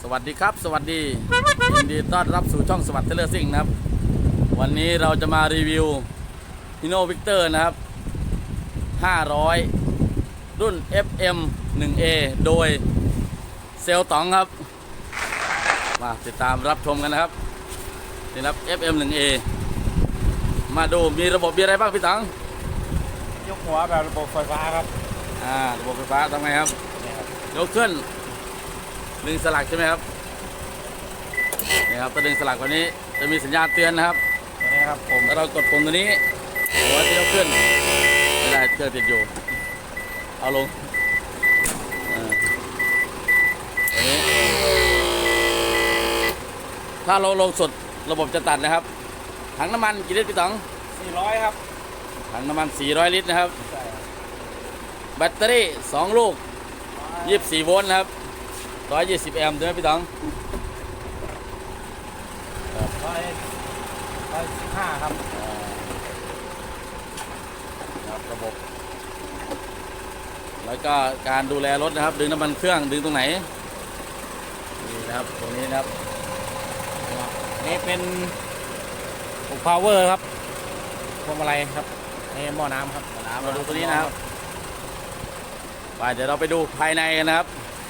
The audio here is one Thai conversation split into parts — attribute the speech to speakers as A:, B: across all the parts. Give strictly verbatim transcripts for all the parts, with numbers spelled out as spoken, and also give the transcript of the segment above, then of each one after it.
A: วัสดีครับสวัสดียินดีต้อนรับสู่ช่องสวัสดิ์เทเลอร์ซิ่งนะครับวันนี้เราจะมารีวิวฮิโน่วิกเตอร์นะครับห้าร้อยรุ่น เอฟ เอ็ม หนึ่ง เอ โดยเซลต๋องครับมาติดตามรับชมกันนะครับนี่ครับ เอฟ เอ็ม หนึ่ง เอ มาดูมีระบบมีอะไรบ้างพี่ต๋อง
B: ยกหัวแบบระบบไฟฟ้าครับ
A: อ่าระบบไฟฟ้าทำไงครับยกขึ้นดึงสลักใช่ไหมครับนี่ครับถ้าดึงสลักวันนี้จะมีสัญญาณเตือนนะครับ
B: นี่ครับผม
A: ถ้าเรากดปุ่มตัวนี้หัวจะยกขึ้นไม่ได้เครื่องติดอยู่เอาลงอันนี้ถ้าเราลงสุดระบบจะตัดนะครับถังน้ำมันกี่ลิตรพี่ต๋อง
B: สี่ร้อยครับ
A: ถังน้ำมันสี่ร้อยลิตรนะครับแบตเตอรี่สองลูกยี่สิบสี่โวลต์นะครับหนึ่งร้อยยี่สิบแอมป์ใช่ไหมพี่ต๋อง
B: ร้อยร้อยสิบห้าครับ
A: ครับระบบแล้วก็การดูแลรถนะครับดึงน้ำมันเครื่องดึงตรงไหนนี่นะครับตรงนี้นะครับ
B: นี่เป็นปุ่ม power ครับพวงมาลัยครับนี่หม้อน้ำครับ
A: น้ำเราดูตัวนี้นะครับไปเดี๋ยวเราไปดูภายในกันนะครับ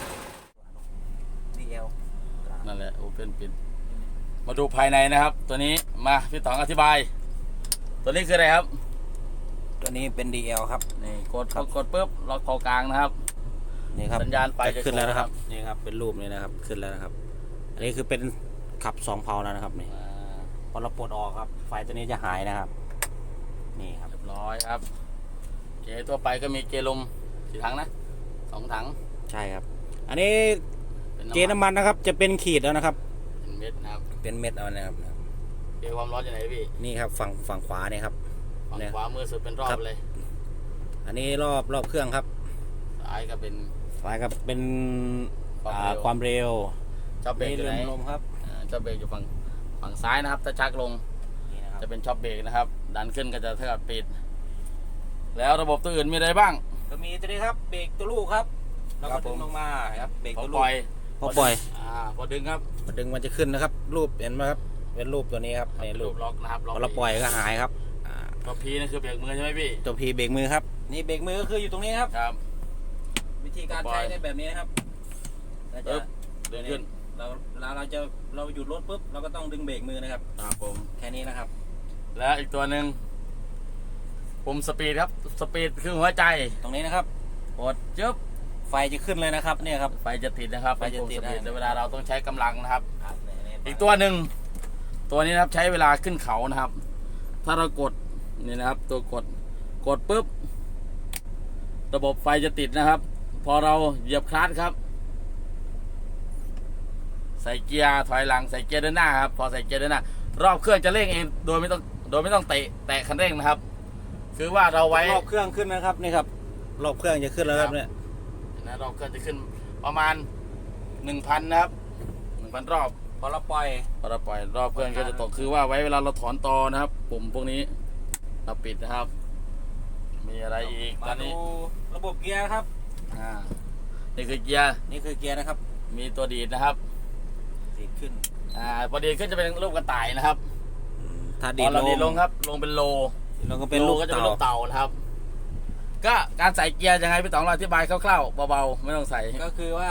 A: นั่นแหละโอเปนปิดมาดูภายในนะครับตัวนี้มาพี่ต๋องอธิบายตัวนี้คืออะไรครับ
B: ตัวนี้เป็น ดี แอล ครับ
A: นี่กดกดปุ๊บล็อกคอกลางนะครับ
B: นี่ครับ
A: สัญญาณไฟ
B: จะขึ้นแล้วนะครับนี่ครับเป็นรูปนี้นะครับขึ้นแล้วนะครับอันนี้คือเป็นขับสองเพาแล้วนะครับนี่พอเราปลดออกครับไฟตัวนี้จะหายนะครับนี่ครับ
A: เรียบร้อยครับเกียร์ตัวไปก็มีเกียร์ลมกี่ถังนะสองถัง
B: ใช่ครับอันนี้เกียร์น้ำมันนะครับจะเป็นขีดแล้วนะครับ
A: เป็นเม็ดนะครับ
B: เป็นเม็ดเอานะครับ
A: เกียร์ความร้อนอยู่ไหนพี่
B: นี่ครับฝั่งฝั่งขวาเนี่ยครับ
A: ฝั่งขวามือสุดเป็นรอบเลย
B: อันนี้รอบรอบเครื่องครับ
A: ซ้ายก็เป็น
B: ซ้ายก็เป็นความเร็ว
A: ช็อปเบรกอยู่ไหน
B: ลมครับ
A: ช็อปเบรกอยู่ฝั่งฝั่งซ้ายนะครับถ้าชักลงจะเป็นช็อปเบรกนะครับดันขึ้นก็จะเท่ากับปิดแล้วระบบตัวอื่นมีอะไรบ้าง
B: ก็มีตัวนี้ครับเบรกตัวลูกครับแล้วก็ดึงลงมาครับเบรกตัวลูก
A: พอปล่อยอ่าพอดึงครับ
B: พอดึงมันจะขึ้นนะครับรูปเห็นไหมครับเป็นรูปตัวนี้ครับในรูป
A: ล็อกนะครับ
B: พอเราปล่อยก็หายครับ
A: ตัวพีนี่คือเบรกมือใช่ไหมพี่
B: ตัวพีเบรกมือครับนี่เบรกมือก็คืออยู่ตรงนี้ครับ
A: ครับ
B: วิธีการใช้ได้แบบนี้นะครับ
A: เราจะดึงขึ้น
B: เราเราเราจะเราหยุดรถปุ๊บเราก็ต้องดึงเบรกมือนะครับ
A: ครับผม
B: แค่นี้นะครับ
A: แล้วอีกตัวหนึ่งปุ่มสปีดครับสปีดคือหัวใจ
B: ตรงนี้นะครับ
A: กดจึ๊บ
B: ไฟจะขึ้นเลยนะครับเนี่ยครับ
A: ไฟจะติดนะครับ
B: ไฟจะติด
A: ในเวลาเราต้องใช้กำลังนะครับอีกตัวหนึ่งตัวนี้นะครับใช้เวลาขึ้นเขานะครับถ้าเรากดนี่นะครับตัวกดกดปุ๊บระบบไฟจะติดนะครับพอเราเหยียบคลัตช์ครับใส่เกียร์ถอยหลังใส่เกียร์เดินหน้าครับพอใส่เกียร์เดินหน้ารอบเครื่องจะเร่งเองโดยไม่ต้องโดยไม่ต้องเตะแตะคันเร่งนะครับคือว่าเราไว้
B: รอบเครื่องขึ้นนะครับนี่ครับรอบเครื่องจะขึ้นแล้วครับเนี่ย
A: นะรอบเครื่องจะขึ้นประมาณหนึ่งพันนะครับหนึ่งพันรอบ
B: พอเราปล่อย
A: พอเราปล่อยรอบเครื่องก็จะตกคือว่าไว้เวลาเราถอนตอนะครับปุ่มพวกนี้เราปิดนะครับมีอะไรอีกตอนนี้
B: ระบบเกียร์ครับ
A: อ่านี่คือเกียร์
B: นี่คือเกียร์นะครับ
A: มีตัวดีดนะครับ
B: ดีดขึ้น
A: อ่าพอดีขึ้นจะเป็นรูปกระต่ายนะครับ
B: ถ้าดีดลง
A: ลงครับลงเป็นโล
B: ลงก็เป็นลูก
A: ก็จะเป็นลูกเต่านะครับก็การใส่เกียร์ยังไงพี่ต๋องเราอธิบายคร่าวๆเบาๆไม่ต้องใส่
B: ก็คือว่า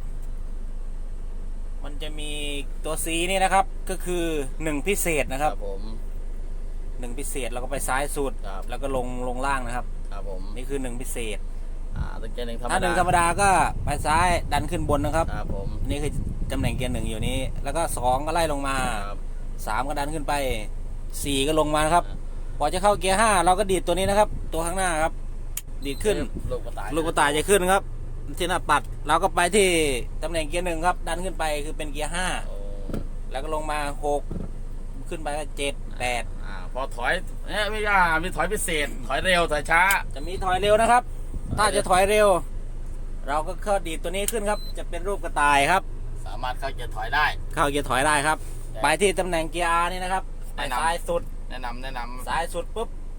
B: มันจะมีตัว C นี่นะครับก็คือหนึ่งพิเศษนะครับ
A: ผม
B: หนึ่งพิเศษเราก็ไปซ้ายสุดแล้วก็ลงลงล่างนะครับ
A: ครับผม
B: นี่คือหนึ่งพิเศษ
A: อ่าตัวเกียร์หนึ่งธรรมดา
B: ถ้าหนึ่งธรรมดาก็ไปซ้ายดันขึ้นบนนะครับ
A: ครับผม
B: นี่คือตำแหน่งเกียร์หนึ่งอยู่นี้แล้วก็สองก็ไล่ลงมาสามก็ดันขึ้นไปสี่ก็ลงมาครับพอจะเข้าเกียร์ห้าเราก็ดีดตัวนี้นะครับตัวข้างหน้าครับดีดขึ้น
A: ลูกกระต่าย
B: ลูกกระต่ายจะขึ้นครับที่หน้าปัดเราก็ไปที่ตำแหน่งเกียร์หนึ่งครับดันขึ้นไปคือเป็นเกียร์ห้าแล้วก็ลงมาหกขึ้นไปก็เจ็ดแปด
A: อ่าพอถอยเนี่ยไม่ยากมีถอยพิเศษถอยเร็วถอยช้า
B: จะมีถอยเร็วนะครับถ้าจะถอยเร็วเราก็เข้าดีดตัวนี้ขึ้นครับจะเป็นรูปกระต่ายครับ
A: สามารถเข้าเกียร์ถอยได้
B: เข้าเกียร์ถอยได้ครับไปที่ตำแหน่งเกียร์ R นี่นะครับไปซ้ายสุด
A: แนะนำแนะนำ
B: ซ้ายสุดปุ๊บ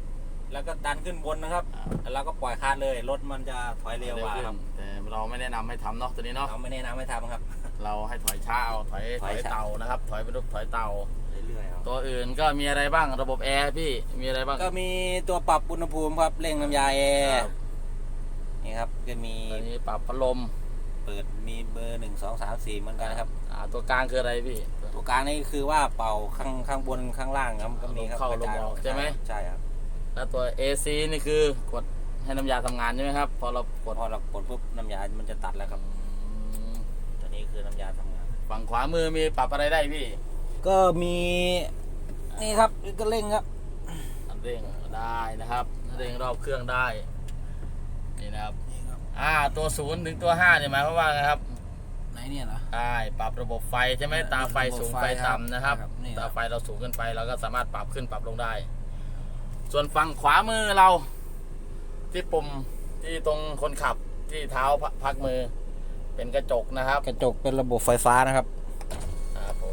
B: แล้วก็ดันขึ้นบนนะครับแล้วเราก็ปล่อยคาดเลยรถมันจะถอยเร็วกว่าครับ
A: แต่เราไม่แนะนำให้ทำเนาะตัวนี้เนาะ
B: เราไม่แนะนำให้ทำครับ
A: เราให้ถอยช้าเอาถอยถ
B: ถ
A: อ
B: อย ยช้า
A: เตานะครับ ถอยเป็นรูปถอยเตา
B: เรื่อยๆครับ
A: ตัวอื่นก็มีอะไรบ้างระบบแอร์พี่มีอะไรบ้าง
B: ก็มีตัวปรับอุณหภูมิครับเร่งน้ำยาแอร์
A: ครับ
B: นี่ครับก็มี
A: ตัวนี้ปรับพัดลม
B: เปิดมีเบอร์หนึ่งสองสามสี่เหมือนกันนะครับ
A: อ่าตัวกลางคืออะไรพี่
B: ตัวกลางนี่คือว่าเป่าข้างข้างบนข้างล่างครับก็มีครับ
A: เข้าลมออกใช่ไหม
B: ใช่ครับ
A: แล้วตัว เอ ซี นี่คือกดให้น้ำยาทำงานใช่ไหมครับพอเรากด
B: พอเรากดปุ๊บน้ำยามันจะตัดแล้วครับตัวนี้คือน้ำยาทำงาน
A: ฝั่งขวามือมีปรับอะไรได้พี่
B: ก็มีนี่ครับก็เร่งครับ
A: อันเร่งได้นะครับเร่งรอบเครื่องได้นี่นะครับ
B: นี่ครับ
A: อ่าตัวศูนย์ถึงตัวห้าเนี่ยหมายความว่าไงครับ
B: ไหนเนี่ยเหรอ
A: ใช่ปรับระบบไฟใช่ไหม
B: เออ
A: ตาไฟสูง
B: ระบบ
A: ไฟ
B: ไฟครับ
A: ต่ำนะครับ
B: ครับนี่ครับ
A: ตาไฟเราสูงขึ้นไปเราก็สามารถปรับขึ้นปรับลงได้ ส่วนฝั่งขวามือเราที่ปุ่มที่ตรงคนขับที่เท้าพักมือเป็นกระจกนะครับ
B: กระจกเป็นระบบไฟฟ้านะครับ
A: ครับผม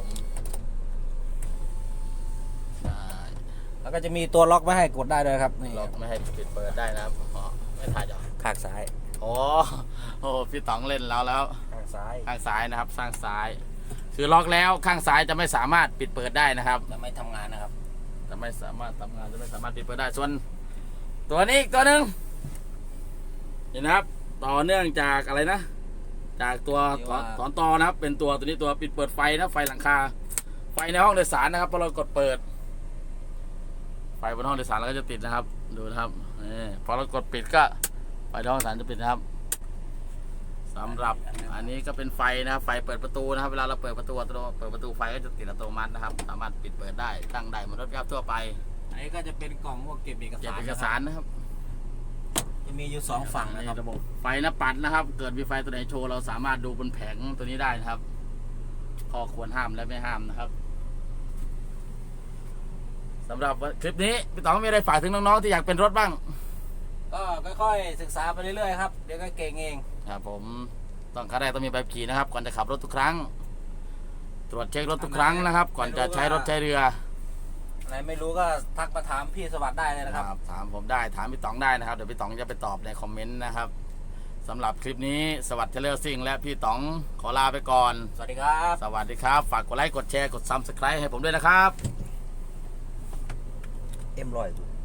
A: ได้
B: แล้วก็จะมีตัวล็อกไม่ให้กดได้ด้วยครับนี่
A: ล็อกไม่ให้ปิดเปิดได้นะครับอ๋อไม่ถ่ายหรอ
B: ข้างซ้าย
A: โอ้โอ้พี่ต๋องเล่นแล้วแล้ว
B: ข้างซ้าย
A: ข้างซ้ายนะครับข้างซ้าย คือล็อกแล้วข้างซ้ายจะไม่สามารถปิดเปิดได้นะครับ
B: จะไม่ทำงานนะครับ
A: จะไม่สามารถทำงานจะไม่สามารถปิดเปิดได้ส่วน ตัวนี้อีกตัวหนึ่งนี่นะครับ ต่อเนื่องจากอะไรนะ จากตัวถอนถอนตอนะครับ เป็นตัวตัวนี้ตัวปิดเปิดไฟนะไฟหลังคา ไฟในห้องโดยสารนะครับพอเรากดเปิด ไฟบนห้องโดยสารเราก็จะติดนะครับ ดูนะครับนี่พอเรากดปิดก็ไฟในห้องโดยสารจะปิดนะครับสำหรับอันนี้ก็เป็นไฟนะครับ ไฟเปิดประตูนะครับ เวลาเราเปิดประตูอัตโนเปิดประตูไฟก็จะติดอัตโนมัตินะครับ สามารถปิดเปิดได้ตั้งได้เหมือนรถกระบะทั่วไป
B: อันนี้ก็จะเป็นกล่องพวกเก็บเอก
A: เก็บ
B: สาร
A: เอกสารนะครับ
B: จะมีอยู่สองฝั่งนะครับ
A: ระบบไฟหน้าปัดนะครับ เกิดมีไฟตัวไหนโชว์เราสามารถดูบนแผงตัวนี้ได้นะครับข้อควรห้ามและไม่ห้ามนะครับสำหรับคลิปนี้พี่ต๋องมีอะไรฝากถึงน้องๆที่อยากเป็นรถบ้าง
B: ก็ค่อยๆศึกษาไปเรื่อยๆครับเดี๋ยวก็เก่งเอง
A: ครับผมต้องขั้นแรกต้องมีใบขับขี่นะครับ ก่อนจะขับรถทุกครั้ง ตรวจเช็ครถทุกครั้งนะครับ ก่อนจะใช้รถใช้เรือ
B: อะไรไม่รู้ก็ทักมาถามพี่สวัสดิ์ได้เลยนะครับ
A: ครับถามผมได้ถามพี่ต๋องได้นะครับเดี๋ยวพี่ต๋องจะไปตอบในคอมเมนต์นะครับสำหรับคลิปนี้สวัสดิ์เทเลอร์ซิ่งและพี่ต๋องขอลาไปก่อน
B: สวัสดีครับ
A: สวัสดีครับ ฝากกดไลค์กดแชร์กดซับสไครต์ให้ผมด้วยนะครับ
B: เอ็มรอย